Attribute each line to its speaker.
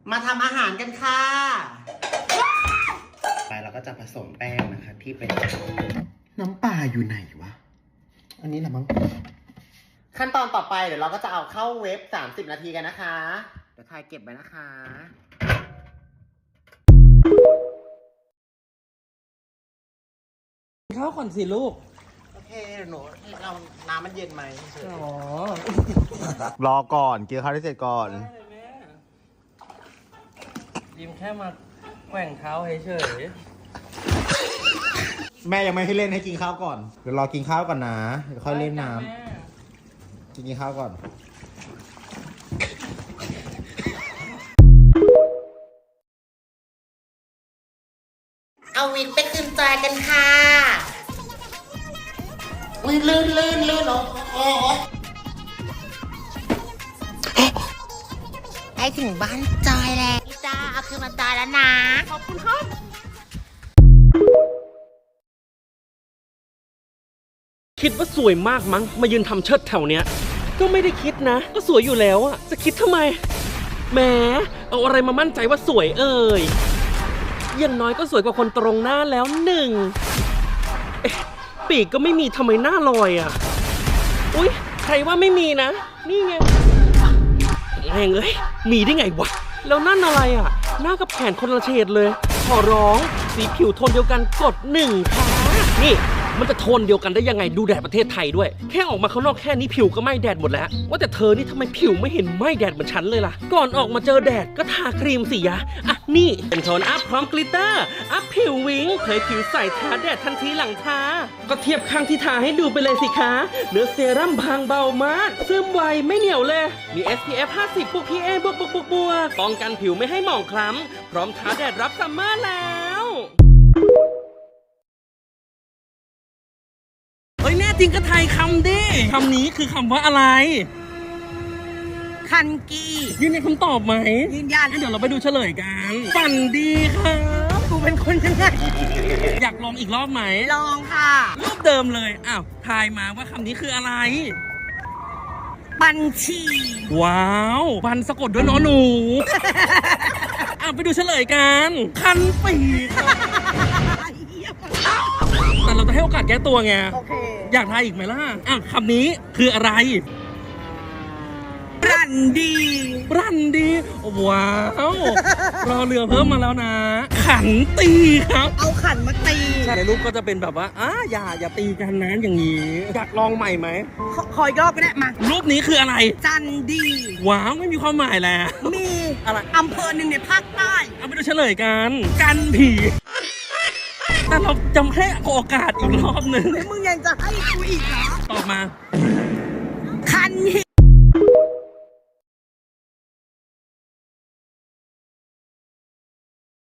Speaker 1: มาทำอาหารกันค่ะไปเราก็จะผสมแป้งนะคะที่เป็นน้ำปลาอยู่ไหนวะอันนี้แหละมั้งขั้นตอนต่อไปเดี๋ยวเราก็จะเอาเข้าเวฟ30 นาทีกันนะคะเดี๋ยวถ่ายเก็บไว้นะคะ
Speaker 2: ข้าวก่อนสิลูก
Speaker 1: โอเคหนูเราน้ำมันเย็นไหม
Speaker 2: อ๋อ
Speaker 1: รอก่อนกินข้าวให้เสร็จก่อน
Speaker 2: ได้เลยแม่ยิ้มแค่มาแกว่งเท้าเฉย
Speaker 1: แม่ยังไม่ให้เล่นให้กินข้าวก่อนเดี๋ยวรอกินข้าวก่อนนะเดี๋ยวค่อยเล่นน้ำกินข้าวก่อนเอาวิกไปขึ้นจอยกันค่ะลื่นโอ้ได้ถึงบ้านจอยแล้วจ้าเอาคืนมาจอยแล้วนะขอบคุณครับ
Speaker 2: คิดว่าสวยมากมั้งมายืนทำเชิดแถวเนี้ยก็ไม่ได้คิดนะก็สวยอยู่แล้วอะจะคิดทำไมแหมเอาอะไรมามั่นใจว่าสวยเอ่ยอย่างน้อยก็สวยกว่าคนตรงหน้าแล้วหนึ่งปีกก็ไม่มีทำไมหน้าลอยอะอุ๊ยใครว่าไม่มีนะนี่ไงแม่งเอ้ยมีได้ไงวะแล้วนั่นอะไรอะหน้ากับแขนคนละเฉดเลยขอร้องสีผิวโทนเดียวกันกด1ค่ะนี่มันจะโทนเดียวกันได้ยังไงดูแดดประเทศไทยด้วยแค่ออกมาข้างนอกแค่นี้ผิวก็ไหม้แดดหมดแล้วว่าแต่เธอนี่ทำไมผิวไม่เห็นไหม้แดดเหมือนฉันเลยล่ะก่อนออกมาเจอแดดก็ทาครีมสิยะอ่ะนี่เป็นโทนอัพพร้อมกลิตเตอร์อัพผิววิ้งเผยผิวใสทาแดดทันทีหลังทาก็เทียบข้างที่ทาให้ดูไปเลยสิคะเนื้อเซรั่มบางเบามากซึมไวไม่เหนียวเลยมี SPF 50 บวก PA บวกป้องกันผิวไม่ให้หมองคล้ำพร้อมทาแดดรับซัมเมอร์แล้วเฮ้ยแน่จริงก็ไทยคำดิคำนี้คือคำว่าอะไร
Speaker 3: คันกี
Speaker 2: ยืนยันคำตอบไหม
Speaker 3: ยืนยัน
Speaker 2: งั้นเดี๋ยวเราไปดูเฉลยกันฝันดีครับ
Speaker 3: กูเป็นคนยังไง
Speaker 2: อยากลองอีกรอบไหม
Speaker 3: ลองค่ะ
Speaker 2: รูปเดิมเลยอ้าวทายมาว่าคำนี้คืออะไร
Speaker 3: บัญชี
Speaker 2: ว้าวบันสะกดด้วยนอหนู ไปดูเฉลยกันคันปีกแต่เราจะให้โอกาสแก้ตัวไง
Speaker 3: โอเค
Speaker 2: อยากทายอีกไหมล่ะคำนี้คืออะไร
Speaker 3: รันดี
Speaker 2: รันดีว้าวรอเรือเพิ่มมาแล้วนะ ขันตีครับ
Speaker 3: เอาขันมาตี
Speaker 2: ในรูปก็จะเป็นแบบว่าอย่าตีกันนะอย่างนี้อยากลองใหม่ไหม
Speaker 3: ขออีกรอบก็ได้มา
Speaker 2: รูปนี้คืออะไร
Speaker 3: จันดี
Speaker 2: ว้าวไม่มีความหมายแล้ว
Speaker 3: มี
Speaker 2: อะไร
Speaker 3: อำเภอหนึ่งในภาคใต้
Speaker 2: เอาไปดูเฉลยกัน กันผีแต่เราจำให้โอกาสอีกรอบหนึ่ง
Speaker 3: แล้วมึงยังจะให้กูอีกเหรอ
Speaker 2: ตอบมา